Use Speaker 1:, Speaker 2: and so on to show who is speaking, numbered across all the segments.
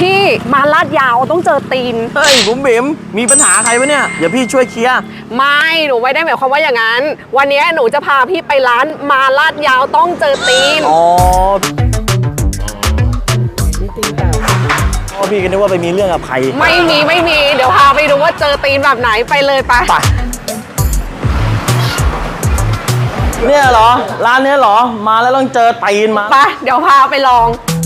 Speaker 1: พี่มาลาดยาวต้องเจอตีน
Speaker 2: เฮ้ยบุ๋มบิ๋มมีปัญหาใครปะเนี่ยเดี๋ยวพี่ช่วยเคลียร์
Speaker 1: ไม่หนูไม่ได้หมายความว่าอย่างนั้นวันนี้หนูจะพาพี่ไปร้านมาลาดยาวต้องเจอตีน
Speaker 2: อ๋อพี่ก็นึกว่าไปมีเรื่องกับใคร
Speaker 1: ไม่มีเดี๋ยวพาไปดูว่าเจอตีนแบบไหนไปเลยไป
Speaker 2: เนี่ยเหรอร้านเนี้ยเหรอมาแล้วต้องเจอตีนมา
Speaker 1: ไปเดี๋ยวพาไปลอง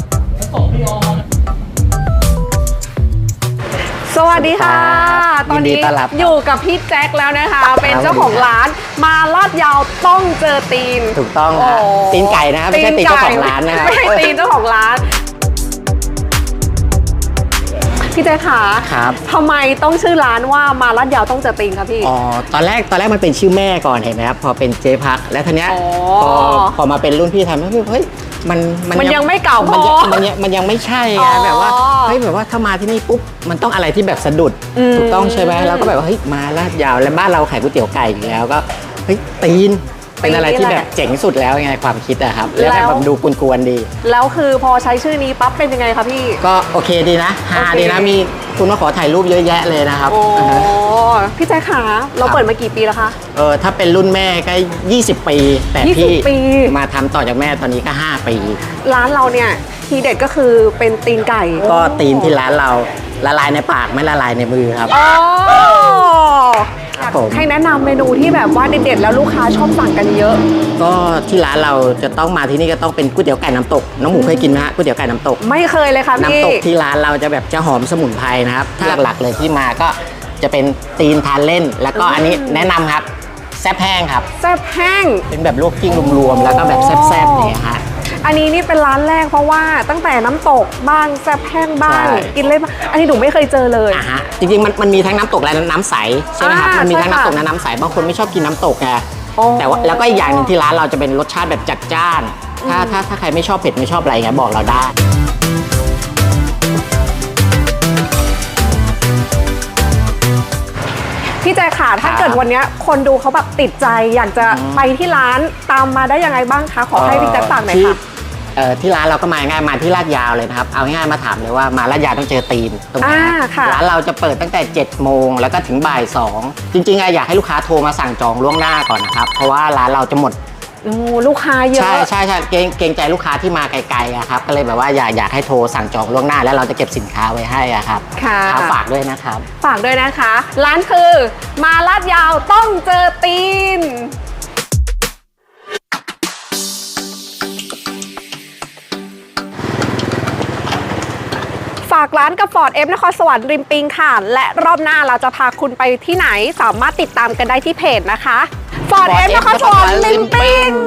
Speaker 1: สวัสดีค่ะตอนนี้อยู่กับพี่แจ็คแล้วนะคะเป็นเจ้าของร้านมาลาดยาวต้องเจอตีน
Speaker 3: ถูกต้องครับตีนไก่นะครับไม่ใช่ตีนเจ้าของร้านนะครับ
Speaker 1: ไม่ใช่ตีนเจ้าของร้านพี่แจ๊คขา
Speaker 3: ครับ
Speaker 1: ทำไมต้องชื่อร้านว่ามาลาดยาวต้องเจอตีนครับพี่
Speaker 3: อ๋อตอนแรกมันเป็นชื่อแม่ก่อนเห็นไหมครับพอเป็นเจ๊พักแล้วทีเนี้ยพอมาเป็นรุ่นพี่ทำแล้วเฮ้ย
Speaker 1: มันยังไม่เก่าพอ
Speaker 3: มันยังไม่ใช่ไงแบบว่าเฮ้ยแบบว่าถ้ามาที่นี่ปุ๊บมันต้องอะไรที่แบบสะดุดถูกต้องใช่ไหมแล้วก็แบบว่าเฮ้ยมาลาดยาวแล้วบ้านเราขายก๋วยเตี๋ยวไก่อยู่แล้วก็เฮ้ยตีนเป็นอะไรที่แบบเจ๋งสุดแล้วไงความคิดอะครับแล้วแบบดูกวนๆดี
Speaker 1: แล้วคือพอใช้ชื่อนี้ปั๊บเป็นยังไงคะพี่
Speaker 3: ก็โอเคดีนะฮาดีนะมีคุณมาขอถ่ายรูปเยอะแยะเลยนะครับ
Speaker 1: โอ้พี่แจ๊คขาเราเปิดมากี่ปีแล้วคะ
Speaker 3: ถ้าเป็นรุ่นแม่ก็20 ปีแต่พี่มาทำต่อจากแม่ตอนนี้ก็5 ปี
Speaker 1: ร้านเราเนี่ยทีเด็ดก็คือเป็นตีนไก่
Speaker 3: ก็ตีนที่ร้านเราละลายในปากไม่ละลายในมือครับ
Speaker 1: ให้แนะนำเมนูที่แบบว่าเด็ดๆแล้วลูกค้าชอบสั่งกันเยอะ
Speaker 3: ก็ที่ร้านเราจะต้องมาที่นี่ก็ต้องเป็นก๋วยเตี๋ยวไก่น้ำตกน้องหมูเคยกินไหมฮะก๋วยเตี๋ยวไก่น้ำตก
Speaker 1: ไม่เคยเลยค่ะพี่
Speaker 3: น้ำตกที่ร้านเราจะแบบจะหอมสมุนไพรนะครับถ้าหลักๆเลยที่มาก็จะเป็นตีนทานเล่นแล้วก็อันนี้แนะนำครับแซ่บแห้งครับ
Speaker 1: แซ่บแห้ง
Speaker 3: เป็นแบบลวกกิ้งรวมๆแล้วก็แบบแซ่บๆเนี่ยฮะ
Speaker 1: อันนี้นี่เป็นร้านแรกเพราะว่าตั้งแต่น้ำตกบ้างแซ่บแห้งบ้างกินเลยบ้างอันนี้หนูไม่เคยเจอเลย
Speaker 3: ฮะจริงๆมันมีทั้งน้ำตกและน้ำใสใช่ไหมครับมันมีทั้งน้ำตกและน้ำใสบางคนไม่ชอบกินน้ำตกไงแต่ว่าแล้วก็อีกอย่างหนึ่งที่ร้านเราจะเป็นรสชาติแบบจัดจ้านถ้าใครไม่ชอบเผ็ดไม่ชอบอะไรเงี้ยบอกเราได้
Speaker 1: พี่แจ๊คค่ะถ้าเกิดวันนี้คนดูเขาแบบติดใจอยากจะไปที่ร้านตามมาได้ยังไงบ้างคะขอให้พี่แจ๊คฝากหน่อยค่ะ
Speaker 3: ที่ร้านเราก็มาง่ายมาที่ลาดยาวเลยนะครับเอาง่ายมาถามเลยว่ามาลาดยาวต้องเจอตีนตรงนี้ร้านเราจะเปิดตั้งแต่7 โมงแล้วก็ถึงบ่าย 2จริงๆอยากให้ลูกค้าโทรมาสั่งจองล่วงหน้าก่อนนะครับเพราะว่าร้านเราจะหมด
Speaker 1: ลูกค้าเยอะ
Speaker 3: ใช่เกรงใจลูกค้าที่มาไกลๆอะครับก็เลยแบบว่าอยากให้โทรสั่งจองล่วงหน้าแล้วเราจะเก็บสินค้าไว้ให้อะครับ
Speaker 1: ค่ะ
Speaker 3: ฝากด้วยนะครับ
Speaker 1: ฝากด้วยนะคะร้านคือมาลาดยาวต้องเจอตีนฝากร้านกับฟอร์ดนครสวรรค์ริมปิงค่ะและรอบหน้าเราจะพาคุณไปที่ไหนสามารถติดตามกันได้ที่เพจนะคะฟอร์ดนครสวรรค์ริมปิง